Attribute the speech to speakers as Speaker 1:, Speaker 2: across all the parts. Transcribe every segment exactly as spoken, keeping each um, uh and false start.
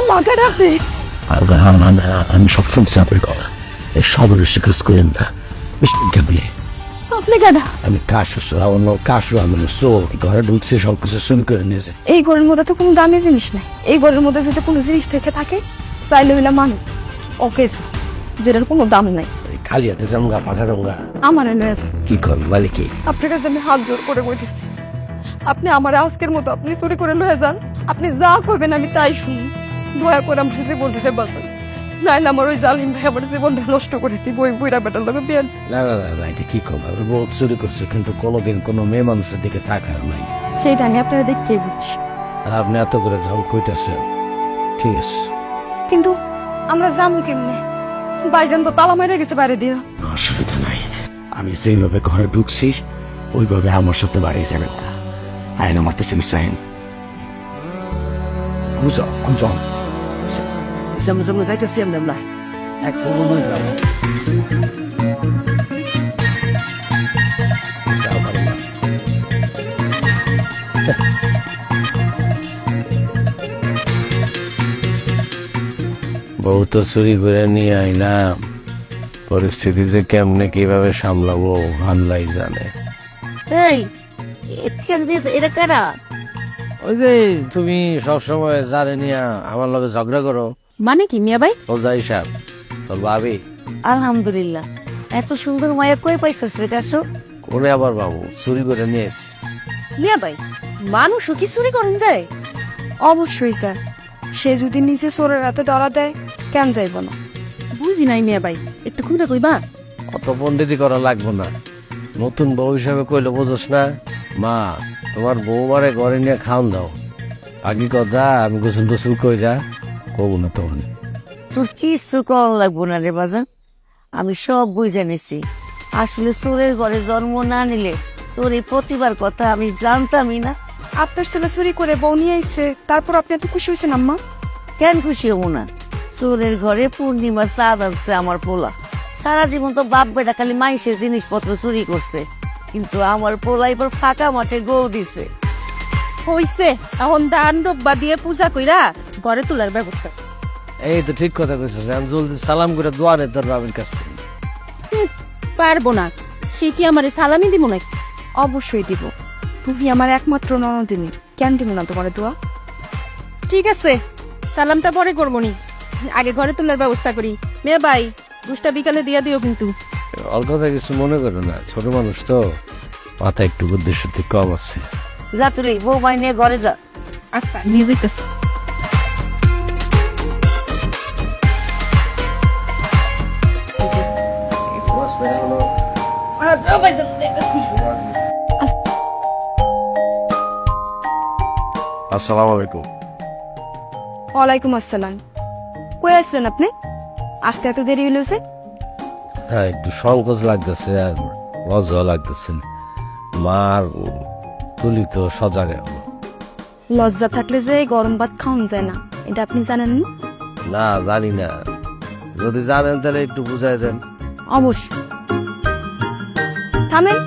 Speaker 1: লাগান আপনি।
Speaker 2: আমি সব শুনছি আপনার কথা, এই সব স্বীকার করেন না। কেমনি
Speaker 1: আপনি কেন?
Speaker 2: আমি কাশু অন্য কাশু আমি চোর ঘরে ঢুকছে, সবকিছু শুরু করে নিয়েছে।
Speaker 1: এই ঘরের মধ্যে তো কোনো দামি জিনিস নাই। এই ঘরের মধ্যে যদি কোনো জিনিস থেকে থাকে তাইলে হইলা মানুষ ওকে, যেটার কোনো দাম নাই।
Speaker 2: খালি হাতে জামগা পাঠা জামগা
Speaker 1: আমার লয়ে যান।
Speaker 2: কি কর বলে কি?
Speaker 1: আপনার কাছে আমি হাত জোর করে কইতেছি, আপনি আমার আজকের মতো আপনি চুরি করে লয়ে যান। আপনি যা কইবেন আমি তাই শুনি। দয়া করে আমার জীবনটা বাঁচান, নাইলে আমার ওই জালিম ভাই আমার জীবনটা নষ্ট করে দিব। ওই বুড়া বেটার লোক বিয়ান।
Speaker 2: না না না, এটা কি কম, আমি বহুত চুরি করছে কিন্তু কোনোদিন কোনো মেয়ে মানুষের দিকে তাকার নাই।
Speaker 1: সেইটা আমি আপনারা দেখতে বুঝছি।
Speaker 2: আর আপনি এত করে যখন কইতেছেন ঠিক আছে,
Speaker 1: কিন্তু আমরা যাবো কেমনে? বাইজান তো তালা মাইরে গেছে বাইরে দিয়া।
Speaker 2: অসুবিধা নাই, আমি যেভাবে ঘরে ঢুকছি ওইভাবে আমার সাথে বাড়িয়ে যাবেন। আইন আমার পেছনে চাইন কুজো কুজো সামনে সামনে যাইতেছি আমি আমরা এক পূর্ণ যাব। বউ তো চুরি করে নিয়ে আইলাম, পরিস্থিতি যে কেমনে কিভাবে সামলাবো আল্লাহ জানে।
Speaker 3: এই ঠিক আছে, এটা কারা?
Speaker 2: ওই যে তুমি সবসময় জানে নিয়ে আমার লগে ঝগড়া করো।
Speaker 3: মানে কি মিয়া ভাই?
Speaker 2: ও যাই সাহেব তোর ভাবি।
Speaker 3: আলহামদুলিল্লাহ, এত সুন্দর মায়া কই পাইছস রে কাছো?
Speaker 2: কোনে আবার বাবু চুরি করে নিয়েছি।
Speaker 3: মিয়া ভাই, মানুষও কি চুরি করেন যায়?
Speaker 1: অবশ্যই স্যার, সে যদি নিজে চোরের হাতে ধরা দেয় কেন যাইব না?
Speaker 3: বুঝি নাই মিয়া ভাই, একটু খুলে কইবা?
Speaker 2: অত পন্ডিতি করা লাগবো না, নতুন বউ হিসাবে কইলে বোঝস না। মা তোমার বউ মারে ঘরে নিয়ে খাওন দাও। আগে কথা আমি গোসল টোসল কইরা কব না তখন।
Speaker 3: তোর কিছু কল লাগবো না রে বাজার, আমি সব বুঝে নিছি। আসলে চোরের ঘরে জন্ম না নিলে তোর এই প্রতিবার কথা আমি জানতামই না।
Speaker 1: আপনার ছেলে চুরি করে বউ নিয়ে আইছে, তারপর আপনি এত খুশি হয়েছেন আম্মা?
Speaker 3: কেন খুশি হবো না? চোরের ঘরে পূর্ণিমার চাঁদ আনছে আমার পোলা। সারা জীবন তো বাপ বেটা খালি মাইসের জিনিসপত্র চুরি করছে, কিন্তু আমার পোলা এবার ফাঁকা মাঠে গোল দিছে।
Speaker 4: হইছে, এখন দান ডব্বা দিয়ে পূজা কইরা ঘরে তোলার ব্যবস্থা।
Speaker 2: এই তো ঠিক কথা কইছিস, আমি জলদি সালাম করে দোয়া নে তোর বাবার কাছ থেকে।
Speaker 4: হুম, পারবো না, সে কি আমারে সালামি দিব নাকি?
Speaker 1: অবশ্যই দিব, তুমি আমার একমাত্র ননদিনী, কেন দিব না তোমার দোয়া?
Speaker 4: ঠিক আছে, সালামটা পরে করবো নি, আগে ঘরে তোলার ব্যবস্থা করি। মেয়ে ভাই, দুষ্টা বিকালে দিয়া দিও কিন্তু।
Speaker 2: ওর কথা কিছু মনে করো না, ছোট মানুষ তো, মাথা একটু বুদ্ধি শুদ্ধি কম আছে।
Speaker 3: যা তুই বউ মাই নিয়ে ঘরে যা।
Speaker 4: আচ্ছা, নিয়ে যেতেছি।
Speaker 2: আসসালামু আলাইকুম।
Speaker 1: ওয়ালাইকুম আসসালাম। কই আসলেন আপনি? আসতে এত দেরি হইলো?
Speaker 2: হ্যাঁ একটু সংকোচ লাগতেছে আর লজ্জা লাগতেছে। মার তুলি তো সজাগ।
Speaker 1: লজ্জা থাকলে যে গরম ভাত খাওয়ান যায় না, এটা আপনি জানেন না?
Speaker 2: না জানি না, যদি জানেন তাহলে একটু বুঝাই দেন।
Speaker 1: অবশ্যই। থামেন।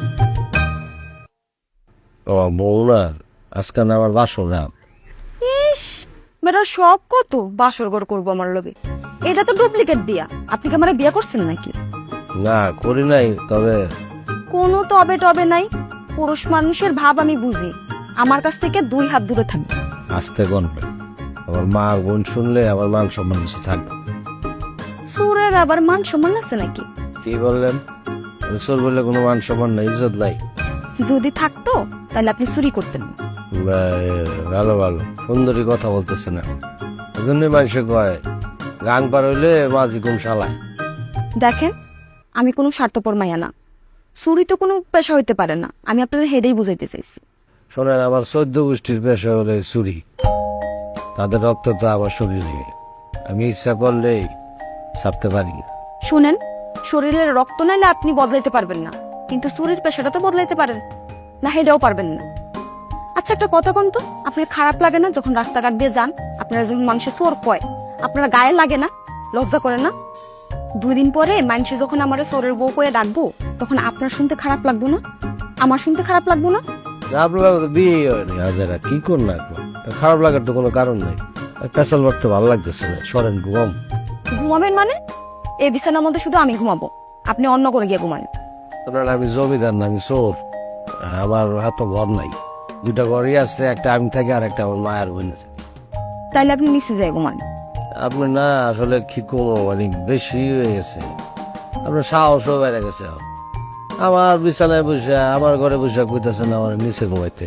Speaker 2: ও বউ না, আজকে না আমার বাসর না।
Speaker 1: ইস, মেয়েরা সব কত বাসর ঘর করবো আমার লগে। এটা তো ডুপ্লিকেট বিয়া। আপনি কি আমার বিয়া করছেন নাকি?
Speaker 2: না করি নাই, তবে
Speaker 1: কোনো তবে টবে নাই। পুরুষ মানুষের ভাব আমি বুঝি। আমার কাছ থেকে দুই হাত দূরে থাকবে।
Speaker 2: আসতে গনবে, আমার মা বোন শুনলে আমার মান সম্মান কিছু থাকবে।
Speaker 1: সুরের আবার মান সম্মান আছে নাকি?
Speaker 2: কি বললেন? চোর বললে কোনো মান সম্মান নাই, ইজ্জত নাই।
Speaker 1: যদি থাকতো তাহলে আপনি চুরি করতেন না।
Speaker 2: ভালো ভালো সুন্দরী কথা বলতেছে না, ওই জন্যই মানুষে কয় গান পার হইলে মাঝি কোন শালায়।
Speaker 1: দেখেন, আমি কোনো স্বার্থপর মাইয়া না। চুরি তো কোনো পেশা হইতে পারে না, আমি আপনাদের হেডেই বুঝাইতে চাইছি।
Speaker 2: শোনেন, আমার চোদ্দ গোষ্ঠীর পেশা হলে চুরি, তাদের রক্ত তো আমার শরীরে, আমি ইচ্ছা করলেই ছাপতে পারি।
Speaker 1: শুনেন, শরীরের রক্ত নাইলে আপনি বদলাইতে পারবেন না, কিন্তু চুরির পেশাটা তো বদলাইতে পারেন না, হেডেও পারবেন না। আচ্ছা একটা কথা কোন তো, আপনার খারাপ লাগে না যখন রাস্তাঘাট দিয়ে যান, আপনারা যখন মানুষের চোর কয়, আপনারা গায়ে লাগে না, লজ্জা করে না? দুই দিন পরে মানুষে যখন আমার চোরের বউ কয়ে ডাকবো, তখন আপনার শুনতে খারাপ লাগবো না? আমার শুনতে খারাপ লাগবো না?
Speaker 2: আপনার বিয়ে হয়নি, হাজারা কি করুন না, খারাপ লাগার তো কোনো কারণ নাই। পেশাল মারতে ভালো লাগতেছে না, সরেন ঘুমাম।
Speaker 1: ঘুমাবেন মানে? এই বিছানার মধ্যে শুধু আমি ঘুমাবো, আপনি অন্য করে গিয়ে ঘুমান।
Speaker 2: আপনার আমি জমিদার না, আমি চোর। আমার এত ঘর নাই, দুটা ঘরই আছে, একটা আমি থাকি আর একটা আমার মায়ের বোন আছে।
Speaker 1: তাইলে আপনি নিচে যাই ঘুমান।
Speaker 2: আপনি না আসলে কি কমো, মানে বেশি হয়ে গেছে, আপনার সাহসও বেড়ে গেছে। আমার বিছানায় বসে আমার ঘরে বসে কইতেছেন আমার নিচে ঘুমাইতে।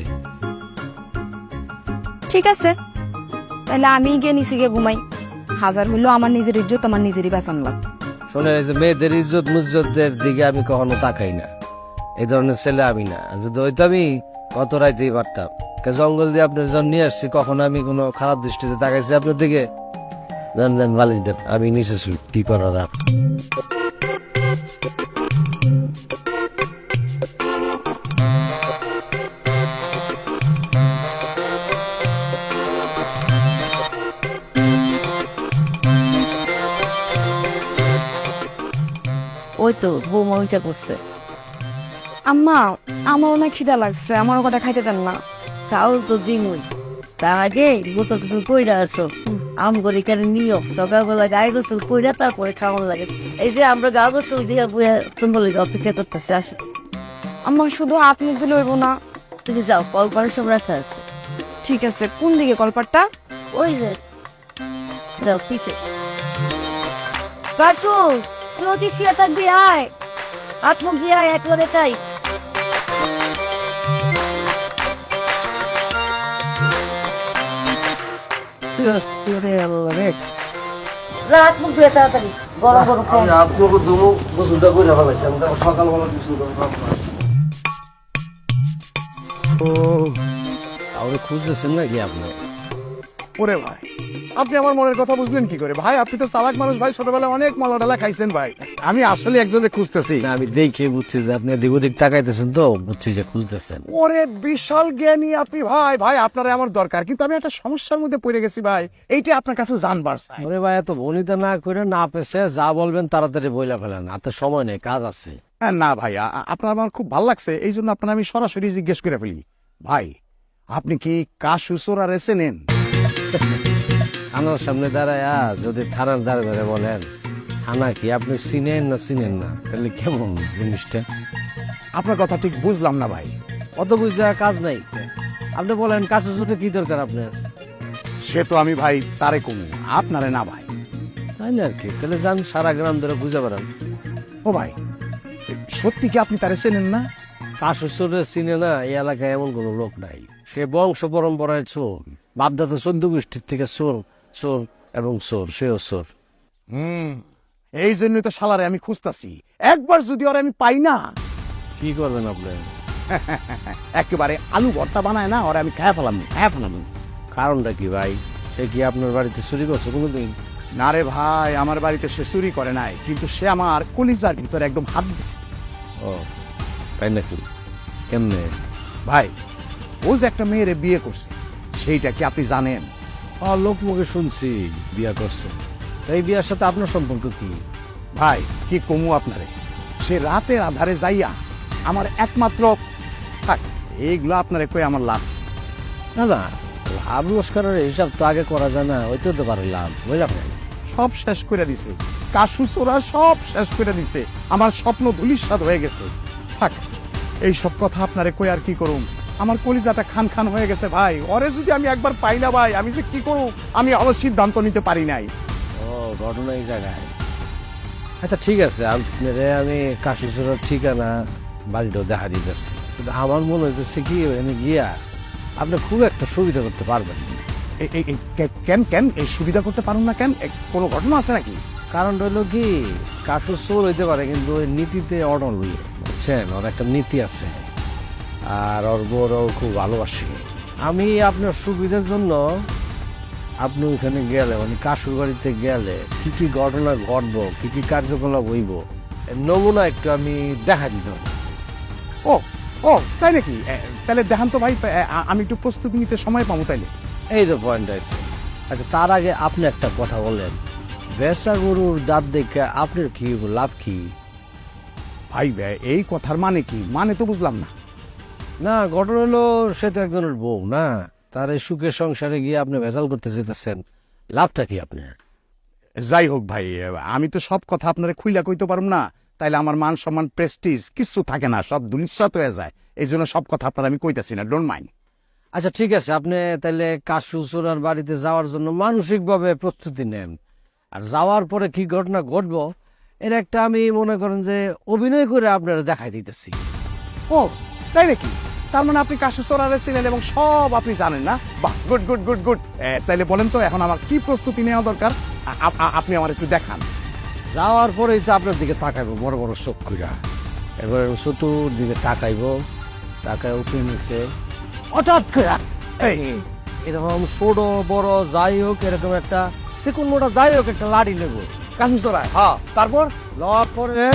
Speaker 1: ঠিক আছে, তাহলে আমি গিয়ে নিচে গিয়ে ঘুমাই। হাজার হইলেও আমার নিজের ইজ্জত আমার নিজেরই বাঁচান লাগবে।
Speaker 2: শোনে, এই যে মেয়েদের ইজ্জত মুজ্জতের দিকে আমি কখনো তাকাই না, এই ধরনের ছেলে আমি না। আর যদি হইতামই কত রাইতেই পারতাম। কে জঙ্গল দিয়ে আপনার জন্য নিয়ে আসছি, কখনো আমি কোনো খারাপ দৃষ্টিতে তাকাইছি আপনার দিকে? জান জান বালিশ দেন, আমি নিচে শুই, কি করার আর।
Speaker 3: ওই তো বৌমা উঁচা করছে।
Speaker 1: আম্মা, আমার অনেক খিদা লাগছে, আমার কথা খাইতে দেন না।
Speaker 3: খাও তো দিনই, তার আগে গোটা তুমি কইরা আসো। আম করে এখানে নিও, সকালবেলা গায়ে গোসল কইরা তারপরে খাওয়ানো লাগে। এই যে আমরা গা গোসল দিয়ে বইয়া তুমি অপেক্ষা করতেছে, আসো।
Speaker 1: আম্মা শুধু হাত মুখ দিলে হইব না।
Speaker 3: তুমি যাও, কল করে সব রাখা আছে।
Speaker 1: ঠিক আছে, কোন দিকে কলপাটটা?
Speaker 3: ওই যে যাও পিছে। কাশু তুই কি শুয়ে থাকবি? আয়, হাত মুখ দিয়ে আয়, একবারে তাই। রাত মুখ দিয়ে তাড়াতাড়ি, গরম গরম খাই।
Speaker 2: আপনাকে দুমু গোসলটা করে ফেলাইতাম, সকালবেলা কিছু আপনি খুঁজতেছেন নাকি আপনি?
Speaker 5: ওরে ভাই, আপনি আমার মনের কথা বুঝলেন কি করে ভাই? আপনি তো চালাক মানুষ ভাই, ছোটবেলায় অনেক মলাডালা খাইছেন ভাই। আমি আসলে একজনের খুঁজতেছি।
Speaker 2: না, আমি দেখে বুঝছি যে আপনি এদিক ওদিক তাকাইতেছেন, তো বুঝছি যে খুঁজতেছেন।
Speaker 5: ওরে বিশাল জ্ঞানী আপনি ভাই। ভাই আপনারে আমার দরকার, কিন্তু আমি একটা সমস্যার মধ্যে পড়ে গেছি ভাই, এইটা আপনার কাছে জানবার চাই।
Speaker 2: ওরে ভাই, এত বনিতা না করে না পেছে যা বলবেন তাড়াতাড়ি বইলা ফেলেন, হাতে সময় নেই, কাজ আছে।
Speaker 5: হ্যাঁ, না ভাই, আ- আ- আপনার আমার খুব ভালো লাগছে, এই জন্য আপনার আমি সরাসরি জিজ্ঞেস করে ফেলি। ভাই, আপনি কি কাশু চোরা রেছে নেন?
Speaker 2: থানার সামনে দাঁড়ায় যদি থানার দাঁড়ে বলেন থানা কি আপনি চিনেন না চিনেন না, তাহলে কেমন জিনিসটা?
Speaker 5: আপনার কথা ঠিক বুঝলাম না ভাই।
Speaker 2: অত বুঝা কাজ নাই, আপনি বলেন কাছে ছুটে কি দরকার আপনার?
Speaker 5: সে তো আমি ভাই তারে কমু, আপনারে না ভাই।
Speaker 2: তাই না আর কি, তাহলে যান সারা গ্রাম ধরে বুঝে বেড়ান।
Speaker 5: ও ভাই, সত্যি কি আপনি তারে চেনেন না?
Speaker 2: কাশুরে চিনে না এই এলাকায় এমন কোন লোক নাই। সে বংশ পরম্পরায় চোর, বাপদাতা চোদ্দ গোষ্ঠীর থেকে চোর চোর এবং চোর, সেও চোর।
Speaker 5: হুম, এই জন্যই তো শালারে আমি খুঁজতাছি। একবার যদি ওরে আমি পাই না,
Speaker 2: কি করবেন আপনি?
Speaker 5: একেবারে আলু ভর্তা বানায় না, ওরে আমি খায়া ফেলাম, খায়া ফেলাম।
Speaker 2: কারণটা কি ভাই? সে কি আপনার বাড়িতে চুরি করছে কোনোদিন?
Speaker 5: না রে ভাই, আমার বাড়িতে সে চুরি করে নাই, কিন্তু সে আমার কলিজার ভিতরে একদম হাত দিছে।
Speaker 2: ও তাই নাকি? কেমনে?
Speaker 5: ভাই, ও যে একটা মেয়েরে বিয়ে করছে, সেইটা কি আপনি জানেন?
Speaker 2: ও লোক মুখে শুনছি বিয়া করছে। তা এই বিয়ার সাথে আপনার সম্পর্ক কি?
Speaker 5: ভাই, কি কমু আপনারে, সে রাতের আধারে যাইয়া আমার একমাত্র, থাক এইগুলো আপনারে কই আমার লাভ।
Speaker 2: না না, লাভ রোজগারের হিসাব তো আগে করা যায় না, ওইতে তো পারে লাভ, বুঝলাম না।
Speaker 5: সব শেষ করে দিছে, কাশু চোরা সব শেষ করে দিছে, আমার স্বপ্ন ধূলিসাৎ হয়ে গেছে। থাক, এই সব কথা আপনারে কই আর কি করুম, আমার কলিজাটা খান খান হয়ে গেছে ভাই। ওরে যদি আমি একবার পাই না ভাই, আমি যে কি করব আমি আমার সিদ্ধান্ত নিতে পারি নাই।
Speaker 2: ও ঘটনা এই জায়গায়। আচ্ছা ঠিক আছে, আপনারে আমি কাশিচুরের ঠিকানা বাড়িটাও দেখা দিতেছি, কিন্তু আমার মনে হইতেছে কি এখানে গিয়া আপনি খুব একটা সুবিধা করতে পারবেন না।
Speaker 5: এই- এই- এই কে- কেন কেন এই সুবিধা করতে পারুন না কেন? এ, কোনো ঘটনা আছে নাকি?
Speaker 2: কারণ হইলো কি, কাঠুর চোর হইতে পারে কিন্তু ওই নীতিতে অটল হইয়ে, বুঝছেন, ওর একটা নীতি আছে, আর ওর বউরাও খুব ভালোবাসে। আমি আপনার সুবিধার জন্য আপনি ওইখানে গেলে, মানে কাশুর বাড়িতে গেলে কি কি ঘটনা ঘটবো, কি কি কার্যকলাপ হইব, এর নমুনা একটু আমি দেখা দিতে হবে।
Speaker 5: ও ও তাই নাকি? এ, তাহলে দেখান তো ভাই, এ, আ- আমি একটু প্রস্তুতি নিতে সময় পাবো তাইলে।
Speaker 2: এই তো পয়েন্ট আছে। আচ্ছা তার আগে আপনি একটা কথা বলেন, বেচা গরুর দাঁত দেখে আপনার কি লাভ কি?
Speaker 5: ভাই ভাই, এই কথার মানে কি? মানে তো বুঝলাম না।
Speaker 2: না, ঘটনা হলো সে তো একজনের বউ না, তার এই সুখের সংসারে গিয়ে আপনি ভেজাল করতে যেতেছেন, লাভটা কি আপনার?
Speaker 5: যাই হোক ভাই, আমি তো সব কথা আপনারা খুইলা কইতে পারুম না, তাইলে আমার মান সম্মান প্রেস্টিজ কিছু থাকে না, সব দুলিশ্বাত হয়ে যায়। এই জন্য সব কথা আপনার আমি কইতাছি না, ডোন্ট মাইন্ড।
Speaker 2: আচ্ছা ঠিক আছে, আপনি তাহলে কাশু চোরার বাড়িতে যাওয়ার জন্য মানসিকভাবে প্রস্তুতি নেন। আর যাওয়ার পরে কি ঘটনা ঘটবো এর একটা আমি মনে করেন যে অভিনয় করে আপনারা দেখাই দিতেছি।
Speaker 5: ও তাই নাকি? তার মানে আপনি কাশু চোরারে ছিলেন এবং সব আপনি জানেন না? বাহ, গুড গুড গুড গুড। তাইলে বলেন তো এখন আমার কি প্রস্তুতি নেওয়া দরকার? আ- আ- আ- আপনি আমার একটু দেখান।
Speaker 2: যাওয়ার পরেই তো আপনার দিকে তাকাইবো বড় বড় চোখ কইরা, এবারে চতুর দিকে তাকাইবো, তাকায় উঠে নিচে হঠাৎ করে
Speaker 5: এই
Speaker 2: এরকম ছোট বড় যাই হোক এরকম একটা চিকুন মোটা যাই হোক একটা লাড়ি নেবো।
Speaker 5: কাশু চোরায়,
Speaker 2: হ্যাঁ,
Speaker 5: তারপর
Speaker 2: লওয়ার পরে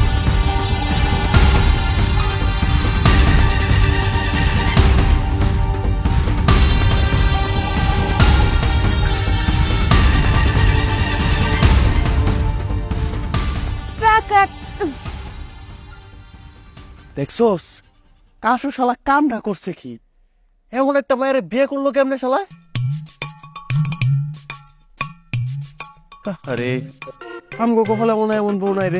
Speaker 6: দেখছোস কাশু শালা কামটা করছে কি?
Speaker 2: এমন একটা মায়ের বিয়ে করলো কেমনে শালায়?
Speaker 6: আরে আমগো কপালে মনে হয় এমন বউ নাই রে।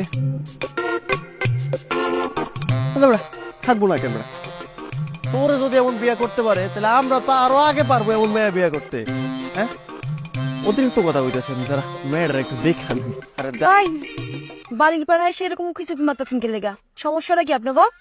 Speaker 6: আমরা থাকবো না কেমন? তোরে যদি এমন বিয়ে করতে পারে তাহলে আমরা তো আরো আগে পারবো এমন মেয়ে বিয়ে করতে। হ্যাঁ, অতিরিক্ত কথা কইতেছেন, তারা মেয়েরা একটু দেখান। আরে দা-
Speaker 1: তাই বাড়ির পাড়ায় সেরকম কিছু মাথা ফিনকে লেগা, সমস্যাটা কি আপনার গো?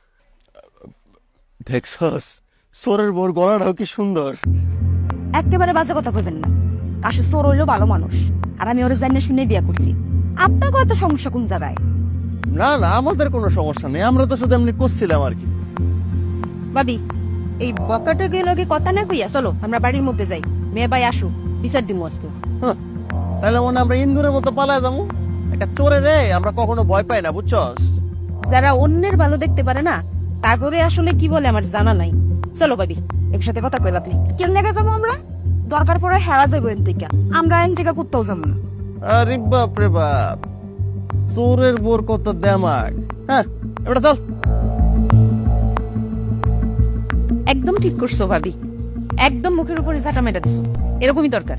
Speaker 6: দেখছস সোরের বোর গলাটাও কি সুন্দর।
Speaker 1: একেবারে বাজে কথা কইবেন না। কাশু চোর হইলো ভালো মানুষ, আর আমি ওরে জানিয়ে শুনে বিয়ে করছি। আপনার কত সমস্যা কোন জায়গায়?
Speaker 6: না না, আমাদের কোনো সমস্যা নেই, আমরা তো শুধু এমনি করছিলাম আর কি।
Speaker 4: ভাবি, এই বকাটা গেলে কথা না কইয়া চলো আমরা বাড়ির মধ্যে যাই। মেয়ে ভাই আসু, বিচার দিমু আজকে।
Speaker 6: হ্যাঁ, তাহলে মনে হয় আমরা ইন্দুরের মতো পালায় যাবো। একটা চোরে রে আমরা কখনো ভয় পাই না, বুঝছস?
Speaker 4: যারা অন্যের ভালো দেখতে পারে না, তা করে আসলে কি বলে আমার জানা নাই। চলো ভাবি, একসাথে কথা কইলা আপনি।
Speaker 1: কেন লেগে যাবো আমরা? দরকার পড়ে হেরা যাবো এন থেকে, আমরা এন থেকে কোথাও যাবো না।
Speaker 6: আরে বাপ রে বাপ, চোরের বোর কত দেমাগ। হ্যাঁ, এবার চল।
Speaker 4: একদম ঠিক করছো ভাবি, একদম মুখের উপরে ঝাঁটা মেটা দিছো, এরকমই দরকার।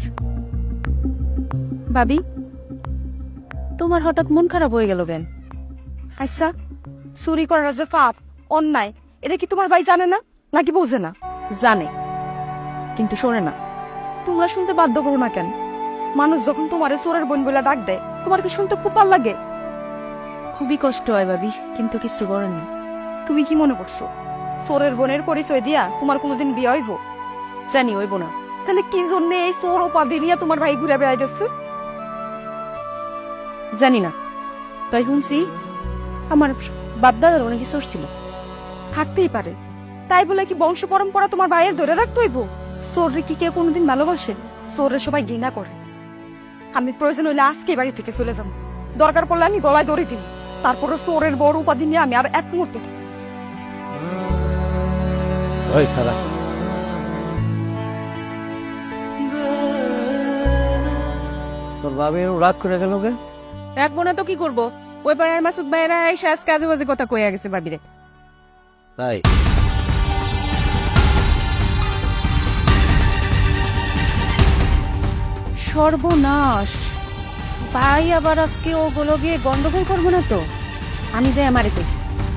Speaker 4: ভাবি, তোমার হঠাৎ মন খারাপ হয়ে গেল কেন?
Speaker 1: আচ্ছা, চুরি করার যে পাপ, অন্যায়, এটা কি তোমার ভাই জানে না নাকি বোঝে না?
Speaker 4: জানে, কিন্তু শোনে না।
Speaker 1: তোমরা শুনতে বাধ্য করো না কেন? মানুষ যখন তোমারে চোরের বোন বলে ডাক দেয়, তোমার কি শুনতে খুব ভালো লাগে?
Speaker 4: খুবই কষ্ট হয় ভাবি, কিন্তু কিছু করেননি।
Speaker 1: তুমি কি মনে করছো চোরের বোনের পরিচয় দিয়া তোমার কোনোদিন বিয়ে হইব?
Speaker 4: জানি হইব না।
Speaker 1: তাহলে কি জন্য এই চোর উপাধি নিয়ে তোমার ভাই ঘুরে বেড়াইতেছে?
Speaker 4: জানি না, তাই শুনছি আমার বাপ দাদার অনেক চোর ছিল।
Speaker 1: থাকতেই পারে, তাই বলে কি বংশ পরম্পরা তোমার ভাইয়ের ধরে রাখতে হইব? চোররে কি কেউ কোনোদিন ভালোবাসে? চোররে সবাই ঘৃণা করে। আমি প্রয়োজন হইলে আজকে বাড়ি থেকে চলে যাব, দরকার পড়লে আমি গলায় দড়ি দিব, তারপরে চোরের বড় উপাধি নিয়ে আমি আর এক মুহূর্ত।
Speaker 2: ওই খারাপ তোর বাবা এরকম রাগ করে গেল কে?
Speaker 4: রাখবো না তো কি করবো? ওই পাড়ার মাসুদ ভাইয়েরা এসে আজ কাজে বাজে কথা কইয়া গেছে ভাবিরে।
Speaker 2: তাই
Speaker 4: সর্বনাশ, ভাই আবার আজকে ওগুলো গিয়ে গন্ডগোল করবো না তো? আমি যাই আমারে কইছি।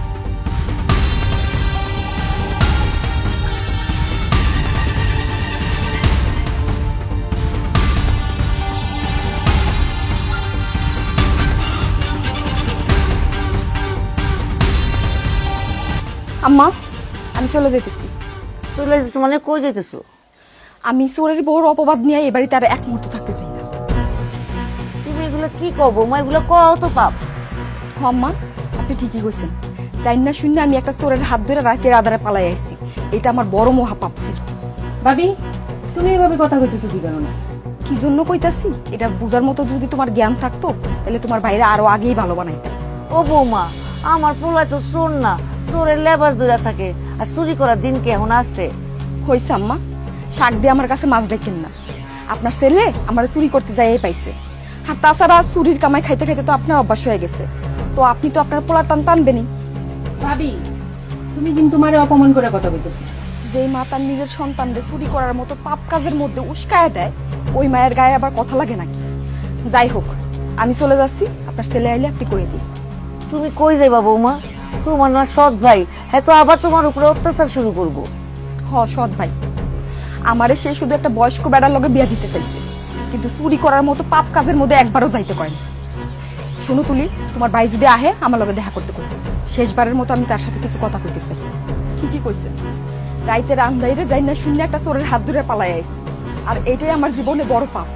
Speaker 1: আম্মা, আমি চলে যেতেছি।
Speaker 3: চলে যেতেছো মানে কই যেতেছো?
Speaker 1: আমি চোরের বড় অপবাদ নিয়ে এ বাড়িতে আর এক মুহূর্ত থাকতে চাই না।
Speaker 3: তুমি এগুলো কি করবো মা? এগুলো কও তো পাপ।
Speaker 1: হ আম্মা, আপনি ঠিকই কইছেন। জানি না শুনে আমি একটা চোরের হাত ধরে রাতের আধারে পালাই আইছি, এটা আমার বড় মহাপাপ ছিল।
Speaker 4: ভাবি, তুমি এভাবে কথা কইতেছো কি কারণে?
Speaker 1: কি জন্য কইতাছি এটা বুঝার মতো যদি তোমার জ্ঞান থাকতো, তাহলে তোমার ভাইরা আরো আগেই ভালো বানাইতে।
Speaker 3: ও বৌমা, আমার পোলায় তো চোর না, চোরের লেবার দূরে থাকে। আর চুরি করার দিন কি এখন আছে?
Speaker 1: হয়েছে আম্মা, শাক দিয়ে আমার কাছে মাছ ডাকেন না। আপনার ছেলে আমার চুরি করতে যাই পাইছে, আর তাছাড়া চুরির কামাই খাইতে খাইতে তো আপনার অভ্যাস হয়ে গেছে, তো আপনি তো আপনার পোলা টান টানবেনই।
Speaker 4: ভাবি, তুমি কিন্তু মারে অপমান করে কথা কইতেছো।
Speaker 1: যে মা তার নিজের সন্তানদের চুরি করার মতো পাপ কাজের মধ্যে উস্কায় দেয়, ওই মায়ের গায়ে আবার কথা লাগে নাকি? যাই হোক, আমি চলে যাচ্ছি, আপনার ছেলে আইলে আপনি কয়ে দিন।
Speaker 3: তুমি কই যাইবা বৌমা? তোমার না সৎ ভাই, হ্যাঁ তো আবার তোমার উপরে অত্যাচার শুরু করবো।
Speaker 1: হ সৎ ভাই, আমারে সে শুধু একটা বয়স্ক বেড়ার লগে বিয়া দিতে চাইছে, কিন্তু চুরি করার মতো পাপ কাজের মধ্যে একবারও যাইতে করেনি। শোনো তুলি, তোমার ভাই যদি আহে আমার লগে দেখা করতে করবে, শেষবারের মতো আমি তার সাথে কিছু কথা কইতেছি। ঠিকই কইছে, রাইতের আন্দাইরে যাই না শূন্য একটা চোরের হাত ধরে পালাই আইছে, আর এটাই আমার জীবনে বড় পাপ।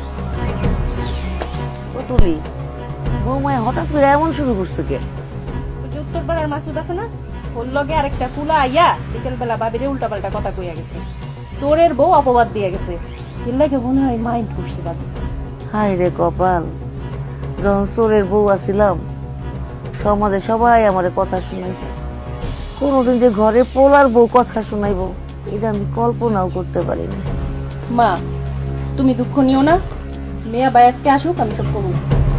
Speaker 3: ও তুলি, বৌমায় হঠাৎ করে এমন শুরু করছে কে?
Speaker 4: ওই যে উত্তরপাড়ার মাসুদ আছে না, ওর লগে আরেকটা কুলা আইয়া বিকেল বেলা বাবিরে উল্টা পাল্টা কথা কইয়া গেছে, চোরের বউ অপবাদ দিয়া গেছে। এর লাগে মনে হয় মাইন্ড করছে বাবি।
Speaker 3: হায় রে কপাল, যখন চোরের বউ আছিলাম সমাজে সবাই আমারে কথা শুনাইছে, কোনোদিন যে ঘরে পোলার বউ কথা শুনাইবো এটা আমি কল্পনাও করতে পারিনি।
Speaker 4: মা, তুমি দুঃখ নিও না, মেয়া বাই আজকে আসুক, আমি সব করবো।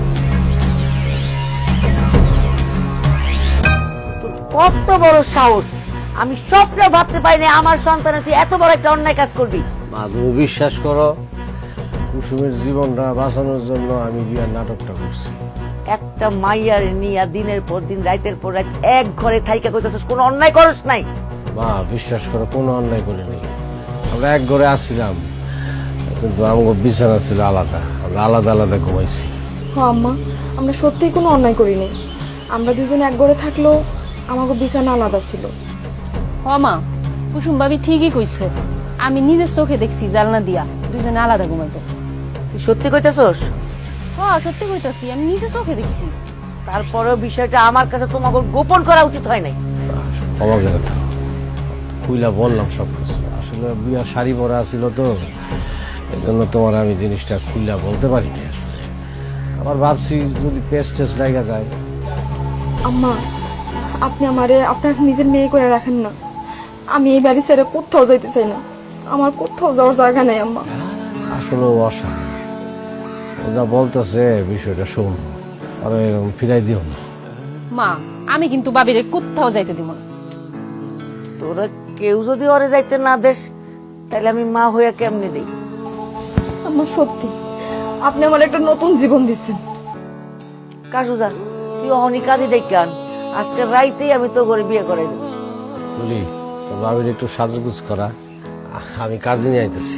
Speaker 3: তোর কত বড় সাহস! আমি স্বপ্নে ভাবতে পারিনি আমার সন্তানের তুই এত বড় একটা অন্যায় কাজ করবি।
Speaker 2: মা তুমি বিশ্বাস করো, কুসুমের জীবনটা বাঁচানোর জন্য আমি বিয়ার নাটকটা করছি।
Speaker 3: একটা মাইয়ার নিয়া দিনের পর দিন রাতের পর রাত এক ঘরে থাইকা কইতাছিস, কোনো অন্যায় করস নাই।
Speaker 2: মা বিশ্বাস করো, কোনো অন্যায় করিনি। আমরা এক ঘরে আসছিলাম, কিন্তু আমার বিছানা ছিল আলাদা, আমরা আলাদা আলাদা ঘুমাইছি।
Speaker 1: হ্যাঁ আম্মা, আমরা সত্যিই কোনো অন্যায় করিনি। আমরা দুজন এক ঘরে থাকলেও আমাকে বিছানা আলাদা ছিল।
Speaker 4: হ মা, কুসুম ভাবি ঠিকই কইছে, আমি নিজের চোখে দেখছি জালনা দিয়া দুজনে আলাদা ঘুমাইতো।
Speaker 3: তুই সত্যি কইতাছস?
Speaker 4: হ্যাঁ সত্যি কইতাছি, আমি নিজে চোখে দেখছি।
Speaker 3: তারপরেও বিষয়টা আমার কাছে তোমাকে গোপন করা উচিত হয় নাই।
Speaker 2: ক্ষমা করে দাও, খুইলা বললাম সব কিছু। আসলে বিয়ার শাড়ি পরা ছিল তো, এই জন্য তোমার আমি জিনিসটা খুইলা বলতে পারিনি। আসলে আবার ভাবছি যদি পেস্ট টেস্ট লাগা যায়।
Speaker 1: আম্মা, আপনি আমারে আপনার নিজের মেয়ে করে রাখেন না। আমি এই বাড়ি ছেড়ে কোথাও যাইতে চাই না, আমার কোথাও যাওয়ার জায়গা নেই আম্মা।
Speaker 2: আসলে অসা ও যা বলতেছে বিষয়টা শোন, আর এরকম ফিরাই দিও না।
Speaker 4: মা, আমি কিন্তু বাবিরে কোথাও যাইতে দিব না।
Speaker 3: তোরা কেউ যদি ওরে যাইতে না দেস তাহলে আমি মা হইয়া কেমনে দেই?
Speaker 1: আম্মা সত্যি, আপনি আমার একটা নতুন জীবন দিচ্ছেন।
Speaker 3: কাশুদা, তুই অহনি কাজী ডেকে আন, আজকে রাইতেই আমি তো করে বিয়ে করাই দেব।
Speaker 2: বলি তোর ভাবির একটু সাজগুজ করা, আমি কাজে নিয়ে আইতেছি।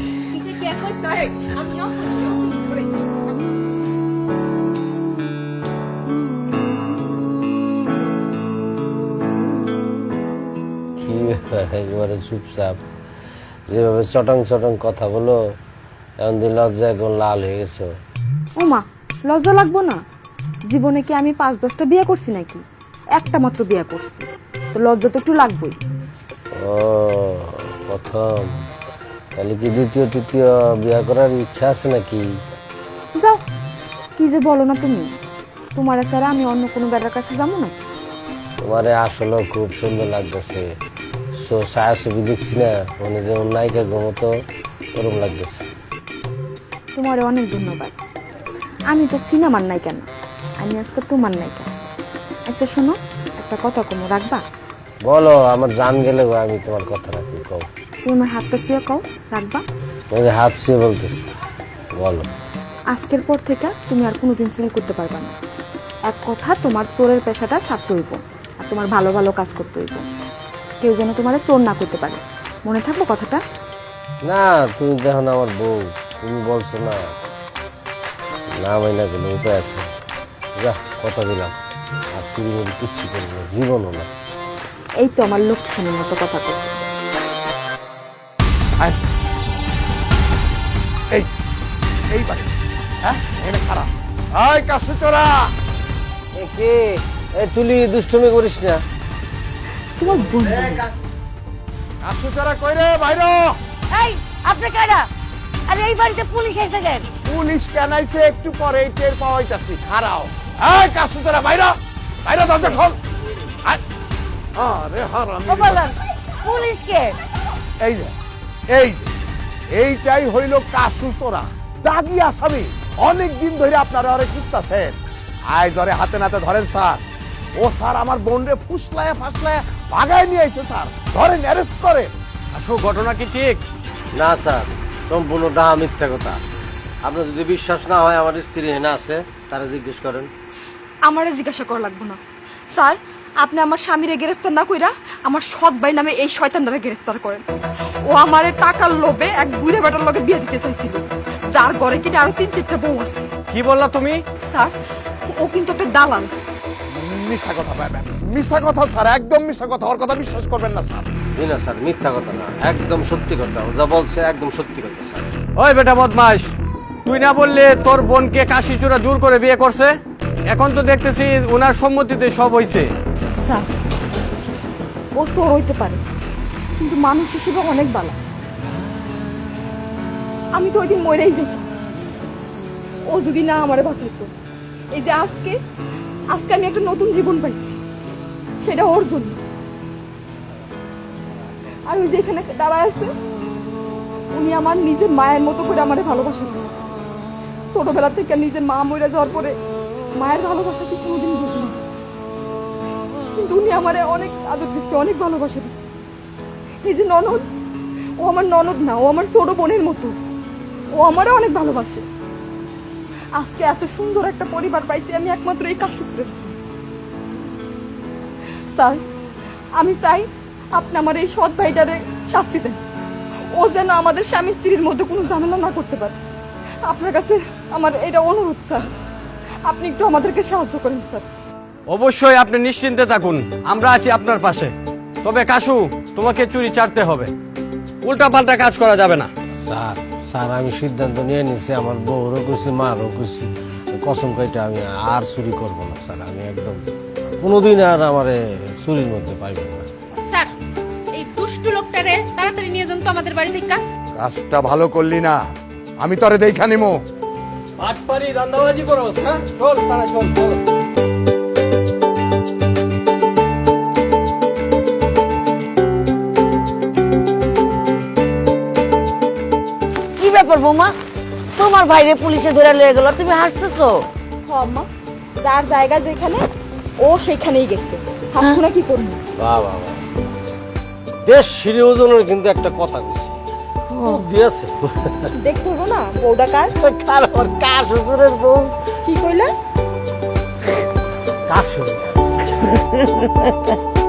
Speaker 2: কি একবারে চুপচাপ, যেভাবে চটং চটং কথা বলো, এমন দিন লজ্জা এখন লাল হয়ে গেছো।
Speaker 1: ও মা, লজ্জা লাগবো না? জীবনে কি আমি পাঁচ দশটা বিয়ে করছি নাকি? একটা মাত্র বিয়ে করছি, তো লজ্জা তো একটু লাগবেই।
Speaker 2: ও প্রথম, তাহলে কি দ্বিতীয় তৃতীয় বিয়ে করার ইচ্ছা আছে নাকি?
Speaker 1: যাও, কি যে বলো না তুমি, তোমার ছাড়া আমি অন্য কোনো বেটার কাছে যাবো না।
Speaker 2: তোমারে আসলে খুব সুন্দর লাগতেছে, ছায়া ছবি দেখছি না, মানে যেমন নায়িকা ঘুমতো ওরকম লাগতেছে।
Speaker 1: তোমার অনেক ধন্যবাদ। আমি তো সিনেমার নায়িকা না, আমি আজকে তোমার নায়িকা। আচ্ছা শোনো, একটা কথা কমো, রাখবা?
Speaker 2: বলো, আমার জান গেলে আমি তোমার কথা রাখি। কও,
Speaker 1: তুমি আমার হাতটা শুয়ে কও, রাখবা?
Speaker 2: ওই যে হাত শুয়ে বলতেছি, বলো।
Speaker 1: আজকের পর থেকে তুমি আর কোনোদিন চুরি করতে পারবা না। এক কথা, তোমার চোরের পেশাটা ছাড়তে হইব, আর তোমার ভালো ভালো কাজ করতে হইব। কেউ যেন তোমার চোর না করতে পারে, মনে থাকবো কথাটা?
Speaker 2: না, তুমি দেখো না আমার বউ, তুমি বলছো না, না মাইনা গেলে উপায় আছে। যা, কথা দিলাম, আর চুরি মুড়ি কিচ্ছু করবো না, জীবনও না।
Speaker 1: এই তো আমার লক্ষ্মীর মতো কথা বলছে।
Speaker 5: আয়। এই এই বাড়ি, হ্যাঁ এনে খারাপ। আয় কাশু চোরা,
Speaker 2: এ কে? এই তুলি দুষ্টুমি করিস না।
Speaker 1: তোমার বন্ধু।
Speaker 5: কাশু চোরা কই রে? বাইরে।
Speaker 3: এই আপনি কারা? আরে এই বাড়িতে পুলিশ এসে গেল।
Speaker 5: পুলিশ কেন আইছে একটু পরে টের পাওয়াইতাছি, খারাও। এই কাশু চোরা বাইরে, বাইরে দরজা খোল। আয়। আরে হারামি।
Speaker 3: ও বলেন পুলিশ কে?
Speaker 5: এই যে এই যে এইটাই হইল কাশু চোরা, দাগি আসামি। অনেক দিন ধরে আপনারা অনেক খুঁজতেছেন, আয় ধরে হাতে নাতে ধরেন স্যার। ও স্যার আমার বোনরে ফুসলায় ফাসলায় ভাগায় নিয়ে আইছে স্যার, ধরেন অ্যারেস্ট করে।
Speaker 6: আসো, ঘটনা কি ঠিক?
Speaker 2: না স্যার, সম্পূর্ণ ডাহা মিথ্যা কথা। আপনার যদি বিশ্বাস না হয় আমার স্ত্রী হেনা আছে তারা জিজ্ঞেস করেন।
Speaker 1: আমারে জিজ্ঞাসা করা লাগবে না স্যার। আপনি আমার স্বামীরে গ্রেফতার না কইরা আমার সৎ ভাই নামে এই শয়তানরা গ্রেফতার করেন। ও আমারে টাকার লোভে এক বুড়ে বেটার লগে বিয়ে দিতে চাইছিল, যার ঘরে কিনা আরো তিন চারটা বউ আছে।
Speaker 6: কি বললা তুমি?
Speaker 1: স্যার ও কিন্তু একটা দালাল।
Speaker 5: মিথ্যা কথা পাবেন, মিথ্যা কথা স্যার, একদম মিথ্যা কথা। ওর কথা বিশ্বাস করবেন না স্যার।
Speaker 2: জি না স্যার, মিথ্যা কথা না, একদম সত্যি কথা। ও যা বলছে একদম সত্যি কথা স্যার।
Speaker 6: ওই বেটা বদমাস, তুই না বললে তোর বোনকে কাশিচূড়া জোর করে বিয়ে করছে? এখন তো দেখতেছি ওনার সম্মতিতে সব হইছে।
Speaker 1: স্যার ও চোর হইতে পারে, কিন্তু মানুষ হিসেবে অনেক ভালো। আমি তো ওই দিন মরেই যেতাম ও যদি না আমারে বাঁচাইতো। এই যে আজকে আজকে আমি একটা নতুন জীবন পাইছি, সেটা ওর জন্য। আর ওই যে এখানে দাঁড়ায় আছে, উনি আমার নিজের মায়ের মতো করে আমারে ভালোবাসেন। ছোটবেলা থেকে নিজের মা মরে যাওয়ার পরে মায়ের ভালোবাসা কি কোনোদিন বুঝিনি, কিন্তু উনি আমারে অনেক আদর দিচ্ছে, অনেক ভালোবাসা দিচ্ছে। এই যে ননদ, ও আমার ননদ না, ও আমার ছোট বোনের মতো। ও আমারে অনেক ভালোবাসে। আজকে এত সুন্দর একটা পরিবার পাইছি আমি একমাত্র এই কাশসূত্রের জন্য। স্যার আমি চাই আপনি আমার এই সৎ ভাইটারে শাস্তি দেন। ও যেন আমাদের স্বামী স্ত্রীর মধ্যে কোনো ঝামেলা না করতে পারে। আপনার কাছে আমার এটা অনুরোধ স্যার, আপনি একটু আমাদেরকে সাহায্য করেন স্যার।
Speaker 6: অবশ্যই আপনি নিশ্চিন্তে থাকুন, আমরা আছি আপনার পাশে। তবে কাশু, তোমাকে চুরি চাটতে হবে, উল্টা পাল্টা কাজ করা যাবে না।
Speaker 2: স্যার স্যার আমি সিদ্ধান্ত নিয়ে নিছি, আমার বউরও খুশি মারও খুশি। কসম কইটা আমি আর চুরি করবো না স্যার। আমি একদম কোনোদিন আর আমার চুরির মধ্যে পাইব না।
Speaker 4: স্যার এই দুষ্টু লোকটারে তাড়াতাড়ি নিয়ে যান তো আমাদের বাড়ি থেকে।
Speaker 5: কাজটা ভালো করলি না, আমি তোরে দেখা নিমো।
Speaker 6: আটপারি দান্দাবাজি করো, হ্যাঁ? চল তারা চল চল।
Speaker 3: কি ব্যাপার বৌমা, তোমার ভাইরে পুলিশে ধরে লয়ে গেল, তুমি হাসতেছো?
Speaker 1: হ আম্মা, যার জায়গা যেখানে ও সেখানেই গেছে, হাসবো না কি করবো?
Speaker 2: বাহ বাহ বাহ। দেশ সিঁড়ি ওজনের কিন্তু একটা কথা কইছি দিয়েছে।
Speaker 1: দেখতে হবো না বউটা কার?
Speaker 2: কার কার শ্বশুরের বউ?
Speaker 1: কি কইলা?
Speaker 2: কার শ্বশুর?